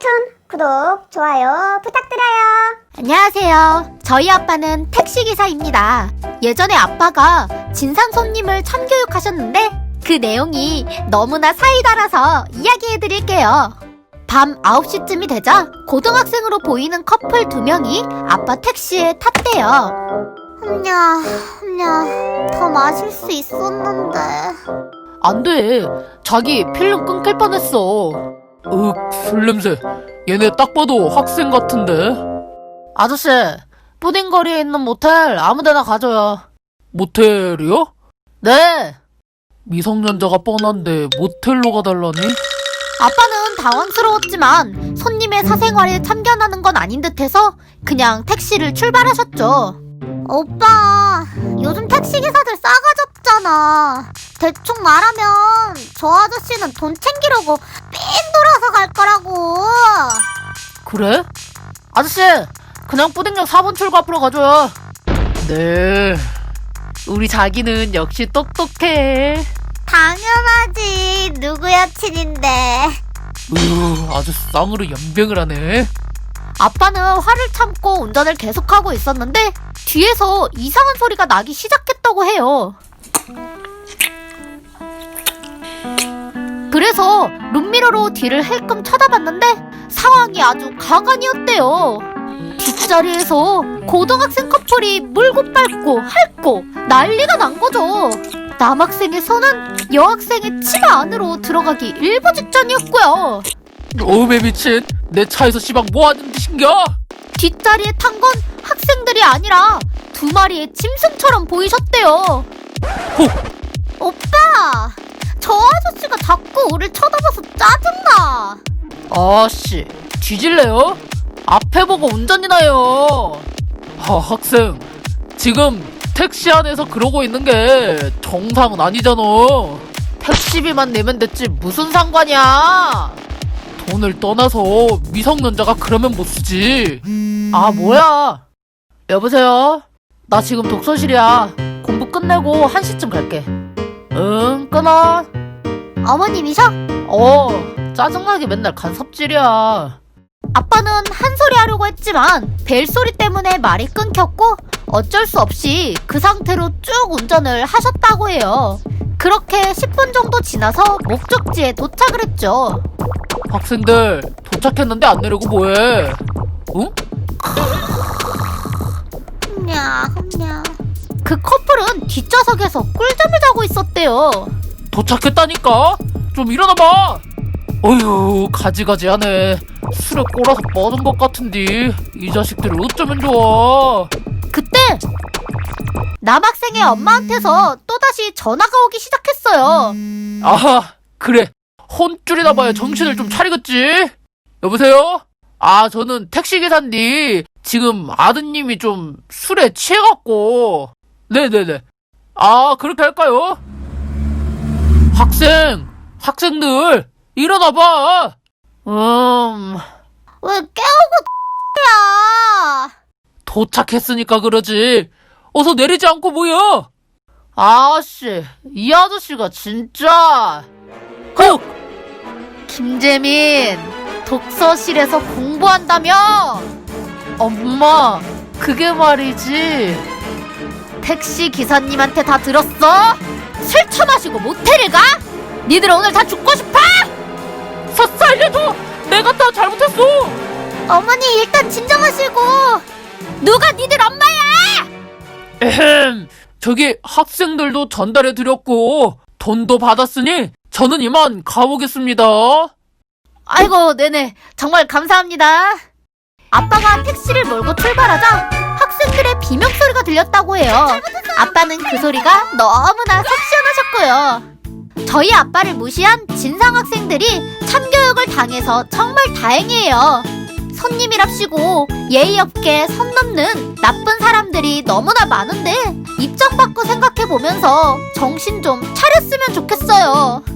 웹툰 구독, 좋아요 부탁드려요. 안녕하세요. 저희 아빠는 택시기사입니다. 예전에 아빠가 진상 손님을 참교육하셨는데 그 내용이 너무나 사이다라서 이야기해드릴게요. 밤 9시쯤이 되자 고등학생으로 보이는 커플 2명이 아빠 택시에 탔대요. 더 마실 수 있었는데. 안 돼. 자기 필름 끊길 뻔했어. 술 냄새. 얘네 딱 봐도 학생 같은데. 아저씨, 푸딩거리에 있는 모텔 아무데나 가줘요. 모텔이요? 네. 미성년자가 뻔한데 모텔로 가달라니? 아빠는 당황스러웠지만 손님의 사생활에 참견하는 건 아닌 듯해서 그냥 택시를 출발하셨죠. 오빠, 요즘 택시기사들 싸가지 없잖아. 대충 말하면 저 아저씨는 돈 챙기려고 삥 돌아서 갈 거라고. 그래? 아저씨, 그냥 뿌딩역 4번 출구 앞으로 가줘요. 네. 우리 자기는 역시 똑똑해. 당연하지. 누구 여친인데. 아주 쌍으로 연병을 하네. 아빠는 화를 참고 운전을 계속하고 있었는데 뒤에서 이상한 소리가 나기 시작했다고 해요. 그래서 룸미러로 뒤를 힐끔 쳐다봤는데 상황이 아주 가관이었대요. 뒷자리에서 고등학생 커플이 물고 빨고 핥고 난리가 난 거죠. 남학생의 손은 여학생의 치마 안으로 들어가기 일보 직전이었고요. 오메 미친. 내 차에서 시방 뭐하는 짓인겨? 뒷자리에 탄 건 학생들이 아니라 2마리의 짐승처럼 보이셨대요. 오빠! 저 아저씨가 자꾸 우릴 쳐다봐서 짜증나. 아씨, 뒤질래요? 앞에 보고 운전이나 해요. 학생, 지금 택시 안에서 그러고 있는 게 정상은 아니잖아. 택시비만 내면 됐지 무슨 상관이야. 돈을 떠나서 미성년자가 그러면 못 쓰지. 아, 뭐야. 여보세요? 나 지금 독서실이야. 공부 끝내고 1시쯤 갈게. 응, 끊어. 어머님이셔? 짜증나게 맨날 간섭질이야. 아빠는 한 소리 하려고 했지만 벨소리 때문에 말이 끊겼고 어쩔 수 없이 그 상태로 쭉 운전을 하셨다고 해요. 그렇게 10분 정도 지나서 목적지에 도착을 했죠. 학생들 도착했는데 안 내리고 뭐해? 응? 그 커플은 뒷좌석에서 꿀잠을 자고 있었대요. 도착했다니까? 좀 일어나봐. 어휴, 가지가지하네. 술에 꼬라서 뻗은 것 같은데 이 자식들이 어쩌면 좋아. 그때 남학생의 엄마한테서 또다시 전화가 오기 시작했어요. 아하, 그래. 혼쭐이나 봐야 정신을 좀 차리겠지? 여보세요? 저는 택시기사인데 지금 아드님이 좀 술에 취해갖고. 네네네. 그렇게 할까요? 학생들 일어나봐. 왜 깨우고 야? 도착했으니까 그러지. 어서 내리지 않고 뭐야? 아씨, 이 아저씨가 진짜. 김재민, 독서실에서 공부한다며? 엄마, 그게 말이지. 택시 기사님한테 다 들었어? 술 처마시고 모텔을 가? 니들 오늘 다 죽고 싶어? 살려줘! 내가 다 잘못했어! 어머니 일단 진정하시고. 누가 니들 엄마야? 저기 학생들도 전달해드렸고 돈도 받았으니 저는 이만 가보겠습니다. 아이고, 네네, 정말 감사합니다. 아빠가 택시를 몰고 출발하자 학생들의 비명소리가 들렸다고 해요. 아빠는 그 소리가 너무나 속 시원하셨고요. 저희 아빠를 무시한 진상 학생들이 참교육을 당해서 정말 다행이에요. 손님이랍시고 예의 없게 선 넘는 나쁜 사람들이 너무나 많은데 입장 바꿔 생각해보면서 정신 좀 차렸으면 좋겠어요.